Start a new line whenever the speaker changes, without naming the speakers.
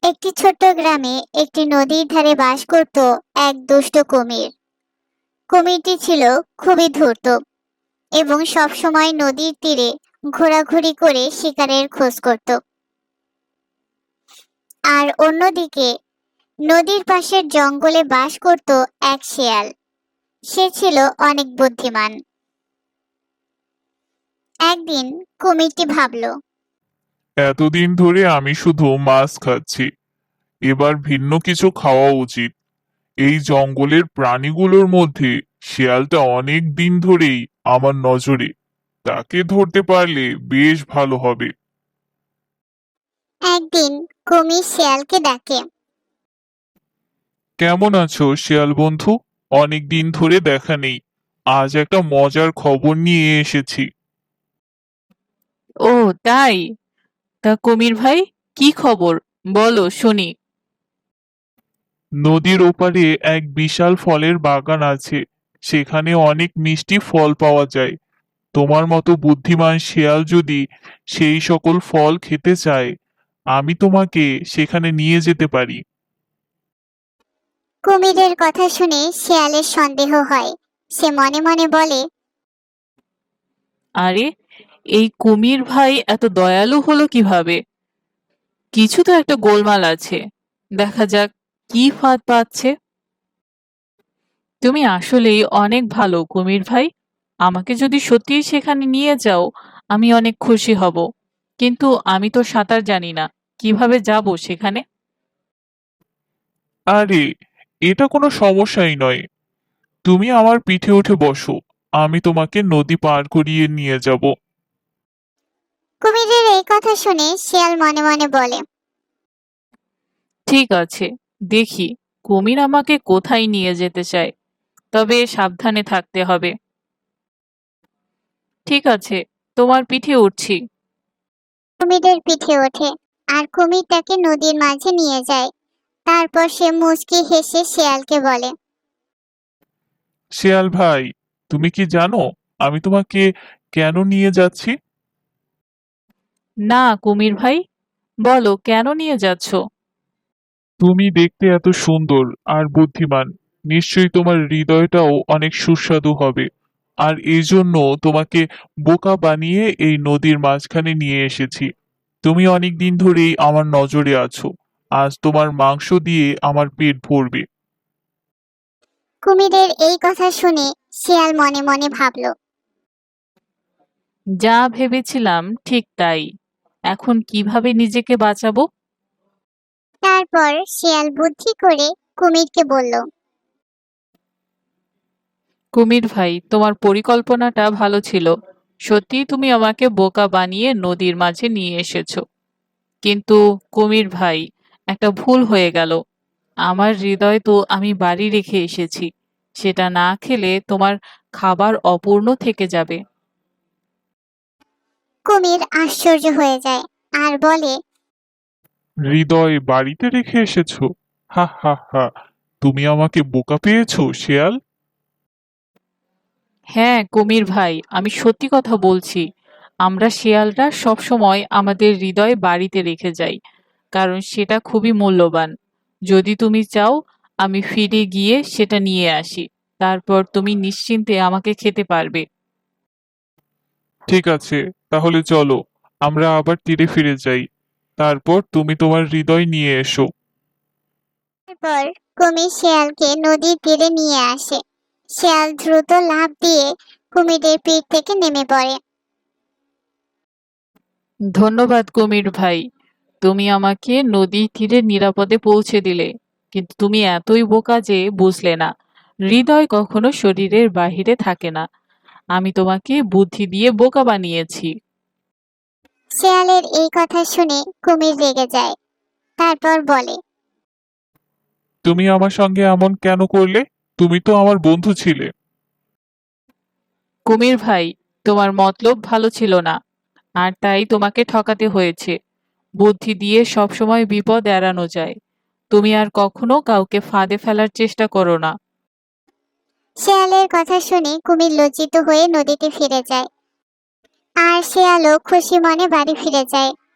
একটি ছোট্ট গ্রামে একটি নদীর ধারে বাস করত এক দুষ্ট কুমির। কুমিরটি ছিল খুবই ধূর্ত এবং সব সময় নদীর তীরে ঘোরাঘুরি করে শিকারের খোঁজ করত। আর অন্যদিকে নদীর পাশের জঙ্গলে বাস করত এক শেয়াল। সে ছিল অনেক বুদ্ধিমান। একদিন কুমিরটি ভাবল,
এতদিন ধরে আমি শুধু মাছ খাচ্ছি, এবার ভিন্ন কিছু খাওয়া উচিত। এই জঙ্গলের প্রাণীগুলোর মধ্যে শিয়ালটা অনেক দিন ধরেই আমার নজরে, তাকে ধরতে পারলে বেশ ভালো হবে।
একদিন কুমির শেয়ালকে ডাকে,
কেমন আছো শিয়াল বন্ধু? অনেক দিন ধরে দেখা নেই, আজ একটা মজার খবর নিয়ে এসেছি।
ও তাই? তা কুমির ভাই, কি খবর? বলো শুনি।
নদীর ওপারে এক বিশাল ফলের বাগান আছে, সেখানে অনেক মিষ্টি ফল পাওয়া যায়। তোমার মতো বুদ্ধিমান শিয়াল যদি সেই সকল ফল খেতে চায়, আমি তোমাকে সেখানে নিয়ে যেতে পারি।
কুমিরের কথা শুনে শেয়ালের সন্দেহ হয়। সে মনে মনে বলে,
আরে, এই কুমির ভাই এত দয়ালু হলো কিভাবে? কিছু তো একটা গোলমাল আছে। দেখা যাক কি ফাঁদ পাচ্ছে। তুমি আসলেই অনেক ভালো কুমির ভাই। আমাকে যদি সত্যিই সেখানে নিয়ে যাও, আমি অনেক খুশি হব। কিন্তু আমি তো সাঁতার জানি না, কিভাবে যাব সেখানে?
আরে, এটা কোনো সমস্যাই নয়। তুমি আমার পিঠে উঠে বসো, আমি তোমাকে নদী পার করিয়ে নিয়ে যাব।
কুমিরের এই কথা শুনে শিয়াল মনে মনে বলে,
ঠিক আছে, দেখি কুমির আমাকে কোথায় নিয়ে যেতে চায়। তবে সাবধানে থাকতে হবে। ঠিক আছে, তোমার পিঠে উঠছি।
কুমিরের পিঠে ওঠে আর কুমির তাকে নদীর মাঝে নিয়ে যায়। তারপর সে মুচকি হেসে শিয়ালকে বলে,
শিয়াল ভাই, তুমি কি জানো আমি তোমাকে কেন নিয়ে যাচ্ছি?
না কুমির ভাই, বলো কেন নিয়ে যাচ্ছ?
তুমি দেখতে এত সুন্দর আর বুদ্ধিমান, নিশ্চয়ই তোমার হৃদয়টাও অনেক সুস্বাদু হবে। আর এই জন্য তোমাকে বোকা বানিয়ে এই নদীর মাঝখানে নিয়ে এসেছি। তুমি অনেক দিন ধরেই আমার নজরে আছো, আজ তোমার মাংস দিয়ে আমার পেট ভরবে।
কুমিরের এই কথা শুনে শিয়াল মনে মনে ভাবল।
যা ভেবেছিলাম ঠিক তাই। এখন কিভাবে নিজেকে বাঁচাবো?
তারপর শিয়াল বুদ্ধি করে কুমিরকে বলল,
কুমির ভাই, তোমার পরিকল্পনাটা ভালো ছিল। সত্যিই তুমি আমাকে বোকা বানিয়ে নদীর মাঝে নিয়ে এসেছো। কিন্তু কুমির ভাই, একটা ভুল হয়ে গেল। আমার হৃদয় তো আমি বাড়ি রেখে এসেছি। সেটা না খেলে তোমার খাবার অপূর্ণ থেকে যাবে।
কুমির আশ্চর্য হয়ে যায় আর বলে,
হৃদয় বাড়িতে রেখে এসেছো? হা হা হা, তুমি আমাকে বোকা পেয়েছো শিয়াল।
হ্যাঁ কুমির ভাই, আমি সত্যি কথা বলছি। আমরা শিয়ালরা সবসময় আমাদের হৃদয় বাড়িতে রেখে যাই, কারণ সেটা খুবই মূল্যবান। যদি তুমি চাও, আমি ফিরে গিয়ে সেটা নিয়ে আসি। তারপর তুমি নিশ্চিন্তে আমাকে খেতে পারবে।
ঠিক আছে, তাহলে চলো আমরা আবার তীরে ফিরে যাই। তারপর তুমি তোমার হৃদয় নিয়ে এসো।
তারপর কুমির শিয়ালকে নদীর তীরে নিয়ে আসে। শিয়াল দ্রুত লাফ দিয়ে কুমিরের পিঠ থেকে নেমে পড়ে।
ধন্যবাদ কুমির ভাই, তুমি আমাকে নদীর তীরে নিরাপদে পৌঁছে দিলে। কিন্তু তুমি এতই বোকা যে বুঝলে না, হৃদয় কখনো শরীরের বাহিরে থাকে না। আমি তোমাকে বুদ্ধি দিয়ে বোকা বানিয়েছি।
শিয়ালের এই কথা শুনে কুমির রেগে যায়। তারপর বলে,
তুমি আমার সঙ্গে এমন কেন করলে? তুমি তো আমার বন্ধু ছিলে।
কুমির ভাই, তোমার মতলব ভালো ছিল না, আর তাই তোমাকে ঠকাতে হয়েছে। বুদ্ধি দিয়ে সবসময় বিপদ এড়ানো যায়। তুমি আর কখনো কাউকে ফাঁদে ফেলার চেষ্টা করো না।
শিয়ালের কথা শুনে কুমির লজ্জিত হয়ে নদীতে ফিরে যায় আর শিয়ালও খুশি মনে বাড়ি ফিরে যায়।